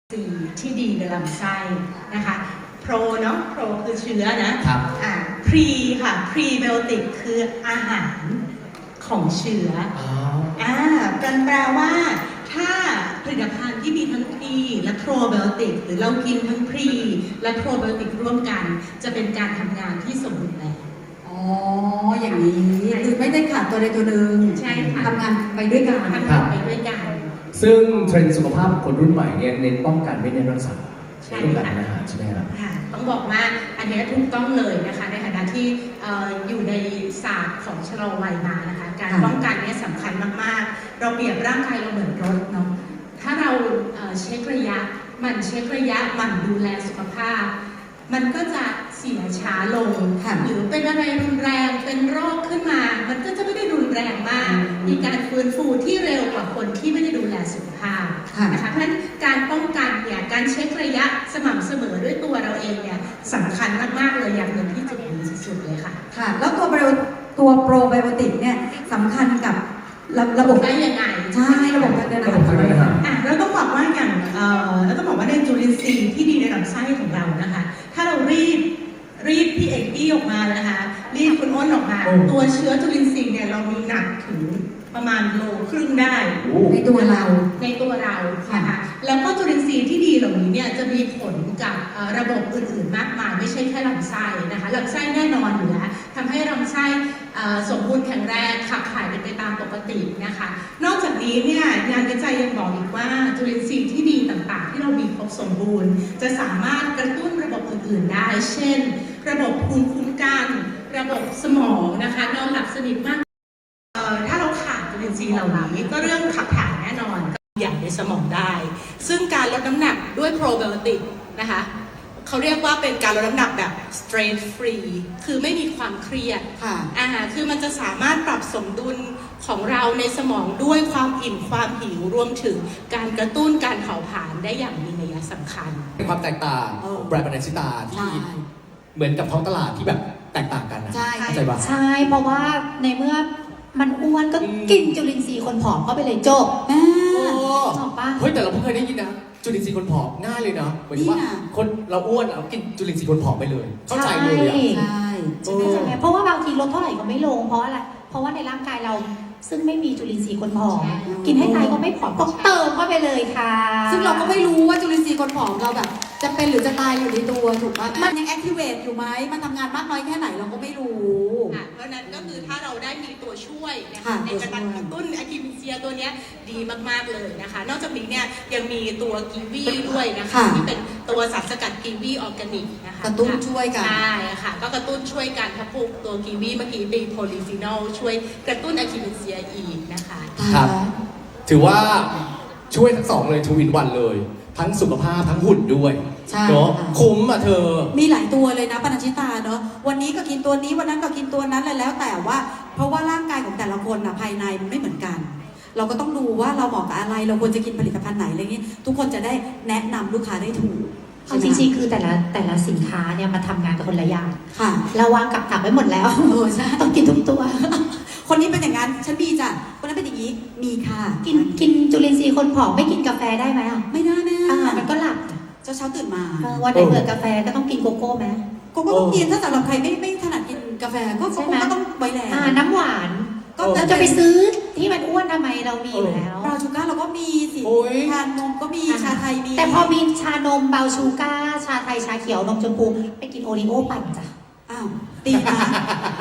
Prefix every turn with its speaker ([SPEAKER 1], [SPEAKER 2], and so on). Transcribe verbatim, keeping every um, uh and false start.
[SPEAKER 1] สีที่ดีในลำไส้นะคะโปรเนาะโปรคือเชื้อนะครับอ่าพรีค่ะพรีไบโอติกคืออาหารของเชื้ออ่าแปลว่าถ้าผลิตภัณฑ์ที่มีทั้งพรีและโปรไบโอติกหรือเรากินทั้งพรีและโปรไบโอติกร่วมกันจะเป็นการทำงานที่สมบูรณ์แบบ
[SPEAKER 2] อ๋ออย่างนี้คือไม่ได้ขาดตัวใดตัวหนึ่ง
[SPEAKER 1] ใช่ค่ะ
[SPEAKER 2] ทำงานไปด้วยกัน
[SPEAKER 1] ทำงานไปด้วยกัน
[SPEAKER 3] ซึ่งเทรนด์สุขภาพของคนรุ่นใหม่เนี่ยเน้นป้องกันไม่เน้นรักษาต้องการอาหารใช่ไหมครับ
[SPEAKER 1] ต้องบอกว่าอันนี้ถูกต้องเลยนะคะในฐานะที่อยู่ในศาสตร์ของชะลอวัยมานะคะการป้องกันนี้สำคัญมากๆเราเปรียบร่างกายเราเหมือนรถเนาะถ้าเราเช็คระยะมันเช็คระยะมันดูแลสุขภาพมันก็จะเสียช้าลงหรือเป็นอะไรรุนแรงเป็นโรคขึ้นมามันก็จะไม่ได้รุนแรงมากมีการฟื้นฟูที่เร็วกว่าคนที่ไม่ได้ดูแลสุขภาพนะคะเพราะฉะนั้นการป้องกันเนี่ยการเช็คระยะสม่ำเสมอด้วยตัวเราเองเนี่ยสำคัญมากๆเลยอย่างหนึ่งที่จุดนี้สุดๆเลยค่ะ
[SPEAKER 2] ค่ะแล้วตัวตัวโปรไบโอติกเนี่ยสำคัญกับระบบ
[SPEAKER 1] ได้ยังไง
[SPEAKER 2] ใช่ระบบการเดินอาหาร
[SPEAKER 1] อ่ะแล้วต้องบอกว่าอย่างเอ่อแล้วต้องบอกว่าในจุลินทรีย์ที่ดีในลำไส้ของเรานะคะถ้าเรารีบรีบพี่เอกอี้ออกมานะคะรีบคุณอ้นออกมาตัวเชื้อจุลินทรีย์เนี่ยเรามีหนักถึงประมาณโลครึ่งได้
[SPEAKER 2] ในตัวเรา
[SPEAKER 1] ในตัวเรานะคะแล้วก็จุลินทรีย์ที่ดีเหล่านี้เนี่ยจะมีผลกับระบบอื่นๆมากมายไม่ใช่แค่ลำไส้นะคะลำไส้แน่นอนอยู่แล้วทำให้ลำไส้สมบูรณ์แข็งแรงขับถ่ายเป็นไปตามปกตินะคะนอกจากนี้เนี่ยงานวิจัยยังบอกอีกว่าจุลินทรีย์ที่ดีต่างๆที่เรามีครบสมบูรณ์จะสามารถกระตุ้นระบบอื่นๆได้เช่นระบบภูมิคุ้มกันระบบสมองนะคะนอนหลับสนิทมากถ้าเราขาดจุลินทรีย์เหล่านี้ก็เรื่องขับถ่ายแน่นอนก็ใหญ่ในสมองได้ซึ่งการลดน้ำหนักด้วยโปรไบโอติกนะคะเขาเรียกว่าเป็นการลดน้ำหนักแบบ stress free คือไม่มีความเครียดอ่าคือมันจะสามารถปรับสมดุลของเราในสมองด้วยความอิ่มความหิวรวมถึงการกระตุ้นการเผาผลาญได้อย่างมีนัยสำคัญ
[SPEAKER 3] เป็นความแตกต่างของแบรนด์บานาชิตาที่เหมือนกับท้องตลาดที่แบบแตกต่างกันนะ
[SPEAKER 2] ใช่
[SPEAKER 3] เข้าใจปะ
[SPEAKER 4] ใช่เพราะว่าในเมื่อมันอ้วนก็กินจุลินทรีย์คนผอมเข้าไปเลยจบ
[SPEAKER 3] โอ้
[SPEAKER 4] จบปะ
[SPEAKER 3] เฮ้ยแต่เราเพิ่งเคยได้ยินนะจุลินทรีย์คนผอมง่ายเลยนะหมายถึงว่าคนเราอ้วนเรากินจุลินทรีย์คนผอมไปเลยเข้าใจเลยอ่ะ
[SPEAKER 4] ใช่ใช่ไหมเพราะว่าบางทีลดเท่าไหร่ก็ไม่ลงเพราะอะไรเพราะว่าในร่างกายเราซึ่งไม่มีจุลินทรีย์คนผอมกินให้ตายก็ไม่ผอมก็เติมเข้าไปเลยค่ะ
[SPEAKER 2] ซึ่งเราก็ไม่รู้ว่าจุลินทรีย์คนผอมเราแบบจะเป็นหรือจะตายอยู่ในตัวถูกป่ะมันยังแอคทีเวตอยู่ไหมมันทำงานมากน้อยแค่ไหนเราก็ไม่รู้
[SPEAKER 1] เพราะนั้นก็คือถ้าเราได้มีตัวช่วยนะคะในการกระตุ้นอะคิมิเซียตัวนี้ดีมากๆเลยนะคะนอกจากนี้เนี่ยยังมีตัวกีวีด้วยนะคะที่เป็นตัวสารสกัดกีวีออร์แกนิกนะคะ
[SPEAKER 2] กระตุ้นช่วยกัน
[SPEAKER 1] ใช่ค่ะก็กระตุ้นช่วยกันถ้าพูกตัวกีวีเมื่อกี้เป็นโพลีฟีนอลช่วยกระตุ้นอะคิมิเซียอีกนะคะ
[SPEAKER 3] ครับถือว่าช่วยทั้งสองเลยทูวินวันเลยทั้งสุขภาพทั้งหุ่นด้วยเนาะคุ้มอ่ะเธอ
[SPEAKER 2] มีหลายตัวเลยนะปนัญชิตาเนาะวันนี้ก็กินตัวนี้วันนั้นก็กินตัวนั้นเลยแล้วแต่ว่าเพราะว่าร่างกายของแต่ละคนนะภายในมันไม่เหมือนกันเราก็ต้องดูว่าเราเหมาะกับอะไรเราควรจะกินผลิตภัณฑ์ไหนอะไรเงี้ยทุกคนจะได้แนะนำลูกค้าได้ถูก
[SPEAKER 4] จริงๆคือแต่ละแต่ละสินค้าเนี่ยมาทำงานกับคนละอย่าง
[SPEAKER 2] ค่ะ
[SPEAKER 4] เราวางกับตับไว้หมดแล้ว
[SPEAKER 2] เออใช่
[SPEAKER 4] ต้องกินทุกตัว
[SPEAKER 2] คนนี้เป็นอย่างนั้นฉันมีจ้ะคนนั้นเป็นอย่างนี้มีค่ะ
[SPEAKER 4] กินกินจุลินทรีย์คนผอมไม่กินกาแฟได้ไหมอ่ะ
[SPEAKER 2] ไม่ได้แม่
[SPEAKER 4] มันก็หลับ
[SPEAKER 2] เช้าเช้าตื่นมา
[SPEAKER 4] วันไหนเกิดกาแฟก็ต้องกินโกโก้ไหม
[SPEAKER 2] โกโก้ต้องกินถ้าสำหรับใครไม่ไม่ถนัดกินกาแฟก็โกโก้ก็ต้องไว้แล้ว
[SPEAKER 4] น้ำหวานก็จะไปซื้อที่มันอ้วนทำไมเรามีอยู่แล้ว
[SPEAKER 2] บราวน์ชูการ์เราก็มีสิชานมก็มีชาไทยมี
[SPEAKER 4] แต่พอมีชานมเบาชูการ์ชาไทยชาเขียวนมชมพูไปกินโอรีโอปั่นจ้ะ
[SPEAKER 2] อ้าวตีมา